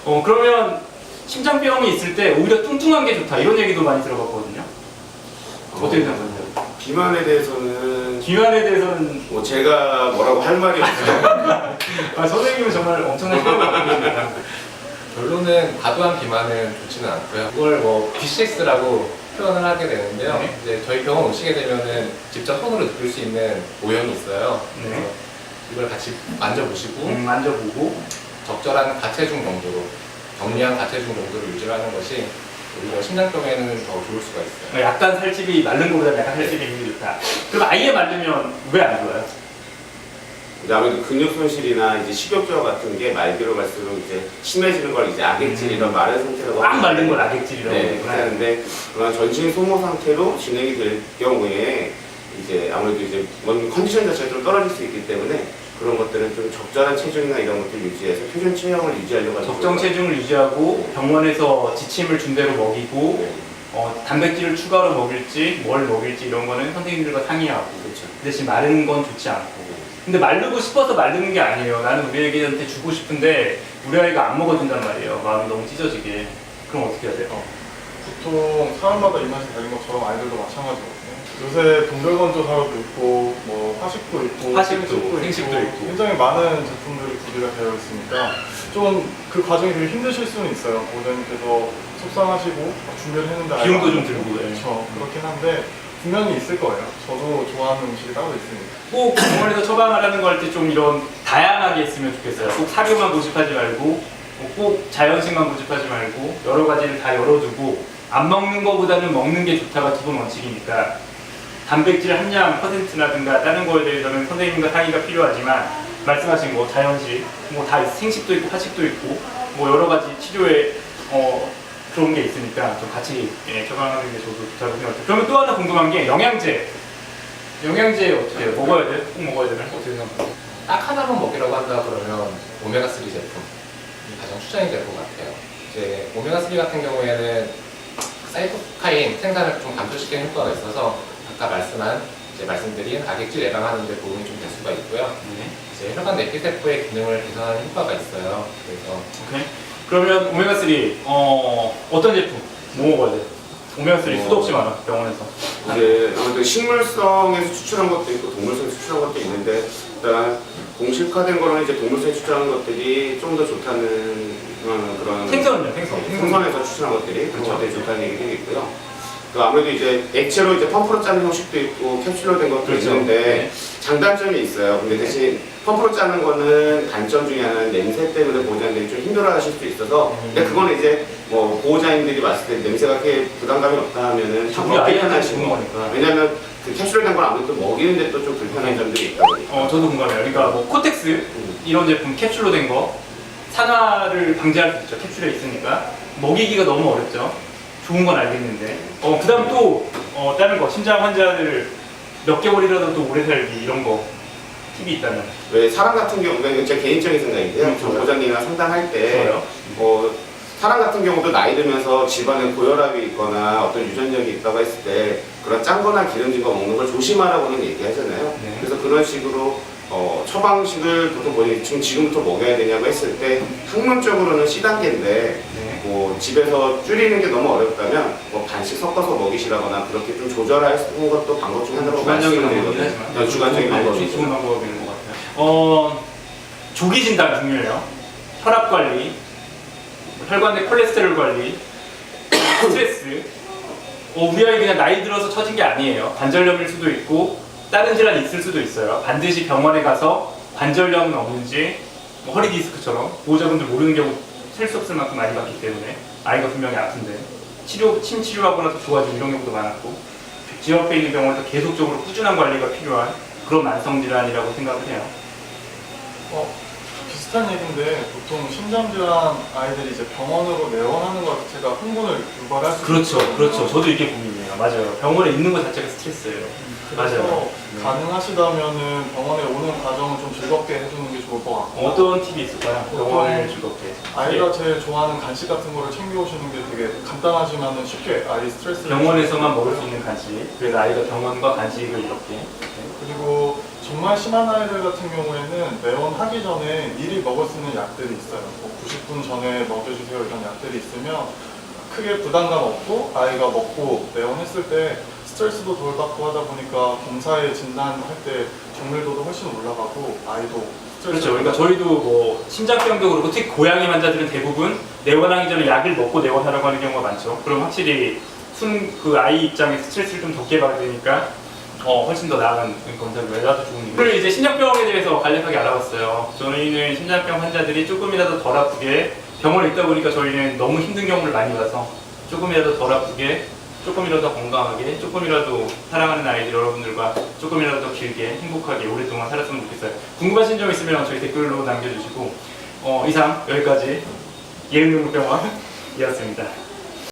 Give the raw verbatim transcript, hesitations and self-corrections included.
어 그러면 심장병이 있을 때 오히려 뚱뚱한 게 좋다 이런 얘기도 많이 들어봤거든요. 어떻게 생각하세요? 비만에 대해서는 비만에 대해서는 뭐 제가 뭐라고 할 말이 없어요. 아, 선생님은 정말 엄청난 생각입니다. 결론은 과도한 비만은 좋지는 않고요. 이걸 뭐 비씨엑스라고 표현을 하게 되는데요. 네. 이제 저희 병원 오시게 되면은 직접 손으로 느낄 수 있는 오염이 있어요. 네. 그래서 이걸 같이 만져보시고 음, 만져보고 적절한 가체중 정도로 정리한 가체중 정도를 유지하는 것이 오히려 심장병에는 더 좋을 수가 있어요. 약간 살집이 마른 것보다 약간 살집이 있는 게 좋다. 그럼 아예 마르면 왜 안 좋아요? 이제 아무래도 근육 손실이나 이제 식욕저하 같은 게 말기로 갈수록 이제 심해지는 걸 이제 악액질 이런 마른 상태라고 꽉 하는데 마른 걸 악액질이라고 네, 하는구나. 하는데 그런 전신 소모 상태로 진행이 될 경우에 이제 아무래도 이제 뭔 컨디션 자체가 좀 떨어질 수 있기 때문에 그런 것들은 좀 적절한 체중이나 이런 것들을 유지해서 표준 체형을 유지하려고 하는 적정 체중을 유지하고 병원에서 지침을 준 대로 먹이고 네. 어, 단백질을 추가로 먹일지 뭘 먹일지 이런 거는 선생님들과 상의하고 그렇죠. 대신 마른 건 좋지 않고 근데 마르고 싶어서 마르는 게 아니에요. 나는 우리 애기한테 주고 싶은데 우리 아이가 안 먹어준단 말이에요. 마음이 너무 찢어지게. 그럼 어떻게 해야 돼요? 보통 사람마다 입맛이 다른 것처럼 아이들도 마찬가지거든요. 요새 동결건조 사료도 있고 뭐 화식도 있고 화식도, 생식도 있고. 굉장히 많은 제품들이 구비가 되어 있으니까 좀 그 과정이 되게 힘드실 수는 있어요. 보호자님께서 속상하시고 준비를 했는데 비용도 아이가 좀 안 들고, 먹고. 예. 그렇죠. 그렇긴 한데 분명히 있을 거예요. 저도 좋아하는 음식이 따로 있습니다. 꼭 병원에서 처방하라는 거 할 때 좀 이런 다양하게 했으면 좋겠어요. 꼭 사료만 고집하지 말고 뭐꼭 자연식만 고집하지 말고 여러 가지를 다 열어두고 안 먹는 거보다는 먹는 게 좋다가 기본 원칙이니까 단백질 함량 퍼센트라든가 다른 거에 대해서는 선생님과 상의가 필요하지만 말씀하신 뭐 자연식, 뭐 다 생식도 있고 화식도 있고 뭐 여러 가지 치료에 어 그런 게 있으니까 좀 같이 예, 처방하는 게 저도 좋다고 생각해요. 그러면 또 하나 궁금한 게 영양제. 영양제 어떻게 해요? 먹어야 돼요? 꼭 먹어야 되나요? 어떻게 생각해요? 딱 하나만 먹이라고 한다 그러면 오메가삼 제품이 가장 추천이 될 것 같아요. 이제 오메가삼 같은 경우에는 사이토카인 생산을 좀 감소시키는 효과가 있어서 아까 말씀한 이제 말씀드린 악액질 예방하는 데 도움이 좀 될 수가 있고요. 네. 이제 혈관 내피세포의 기능을 개선하는 효과가 있어요. 그래서 오케이. 그러면 오메가삼 어 어떤 제품? 뭐 먹어야 돼요? 오메가삼 수도 없이 많아 병원에서. 이제 아무래도 식물성에서 추출한 것도 있고 동물성에서 추출한 것도 있는데 일단 공식화된 거는 이제 동물성에 추출한 것들이 좀 더 좋다는 어, 그런 생선은요? 생선. 생선에서 추출한 것들이 그런 그렇죠. 것들이 좋다는 얘기도 있고요. 그 아무래도 이제 액체로 이제 펌프로 짜는 형식도 있고 캡슐로 된 것도 그렇죠. 있는데 네. 장단점이 있어요. 근데 대신 펌프로 짜는 거는 단점 중에 하나는 냄새 때문에 보호자님들이 좀 힘들어하실 수 있어서 음. 근데 그거는 이제 뭐 보호자님들이 봤을 때 냄새가 그렇게 부담감이 없다 하면은 우리 먹기 아이한테 편하시고. 주는 거니까. 왜냐면 그 캡슐로 된 걸 아무래도 먹이는데 또 좀 불편한 점들이 있다 보니까 어 저도 공감해요. 그러니까 뭐 코텍스 음. 이런 제품 캡슐로 된 거 산화를 방지할 수 있죠. 캡슐에 있으니까 먹이기가 너무 어렵죠. 좋은 건 알겠는데 어 그다음 또 어, 다른 거 심장 환자들 몇 개월이라도 또 오래 살기 이런 거 팁이 있다면 왜 사람 같은 경우, 이건 제 개인적인 생각인데요. 음, 저 좋아요. 보호자님이랑 상담할 때 좋아요. 뭐 사람 같은 경우도 나이 들면서 집안에 고혈압이 있거나 어떤 유전력이 있다고 했을 때 그런 짠 거나 기름진 거 먹는 걸 조심하라고는 얘기하잖아요. 네. 그래서 그런 식으로 어, 처방식을 보통 본인이 지금 지금부터 먹여야 되냐고 했을 때 학문적으로는 씨 단계인데 네. 뭐 집에서 줄이는 게 너무 어렵다면 뭐 반씩 섞어서 먹이시라거나 그렇게 좀 조절할 수 있는 것도 방법 중에 하나라고 주관적인 방법이긴 말씀드리거든요. 하지만 네, 주관적인 좋은 방법이죠. 좋은 방법인 것 같아요. 어 조기 진단 중요해요. 혈압 관리, 혈관 내 콜레스테롤 관리, 스트레스. 어, 우리 아이 그냥 나이 들어서 처진 게 아니에요. 관절염일 수도 있고 다른 질환이 있을 수도 있어요. 반드시 병원에 가서 관절염은 없는지 뭐 허리 디스크처럼 보호자분들 모르는 경우 셀 수 없을 만큼 많이 봤기 때문에 아이가 분명히 아픈데 치료, 침 치료하고 나서 좋아지고 이런 경우도 많았고 집 옆에 있는 병원에서 계속적으로 꾸준한 관리가 필요한 그런 만성 질환이라고 생각을 해요. 어, 비슷한 얘기인데 보통 심장질환 아이들이 이제 병원으로 내원하는 것 자체가 흥분을 유발할 수 그렇죠, 있거든요. 그렇죠. 저도 이게 고민이에요. 맞아요. 병원에 있는 것 자체가 스트레스예요. 그래서 맞아요. 가능하시다면은 병원에 오는 과정을 좀 즐겁게 해주는 게 좋을 것 같고 어떤 팁이 있을까요? 병원을 즐겁게. 아이가 제일 좋아하는 간식 같은 거를 챙겨오시는 게 되게 간단하지만은 쉽게 아이 스트레스를 병원에서만 먹을 수 있는 간식. 그래서 아이가 병원과 간식을 이렇게. 그리고 정말 심한 아이들 같은 경우에는 내원하기 전에 미리 먹을 수 있는 약들이 있어요. 뭐 구십 분 전에 먹여주세요 이런 약들이 있으면 크게 부담감 없고 아이가 먹고 내원했을 때 스트레스도 덜 받고 하다 보니까 검사에 진단할 때 정밀도도 훨씬 올라가고 아이도 스트레스 그렇죠. 그러니까 저희도 뭐 심장병도 그렇고 특히 고양이 환자들은 대부분 내원하기 전에 약을 먹고 내원하라고 하는 경우가 많죠. 그럼 확실히 순 그 아이 입장에 스트레스를 좀 적게 받으니까 어 훨씬 더 나은 검사를 외라도 좋은 일. 그리고 이제 심장병에 대해서 간략하게 알아봤어요. 저희는 심장병 환자들이 조금이라도 덜 아프게 병원에 있다 보니까 저희는 너무 힘든 경우를 많이 봐서 조금이라도 덜 아프게, 조금이라도 건강하게, 조금이라도 사랑하는 아이들 여러분들과 조금이라도 더 길게 행복하게 오랫동안 살았으면 좋겠어요. 궁금하신 점 있으면 저희 댓글로 남겨주시고 어, 이상 여기까지 예은병원이었습니다.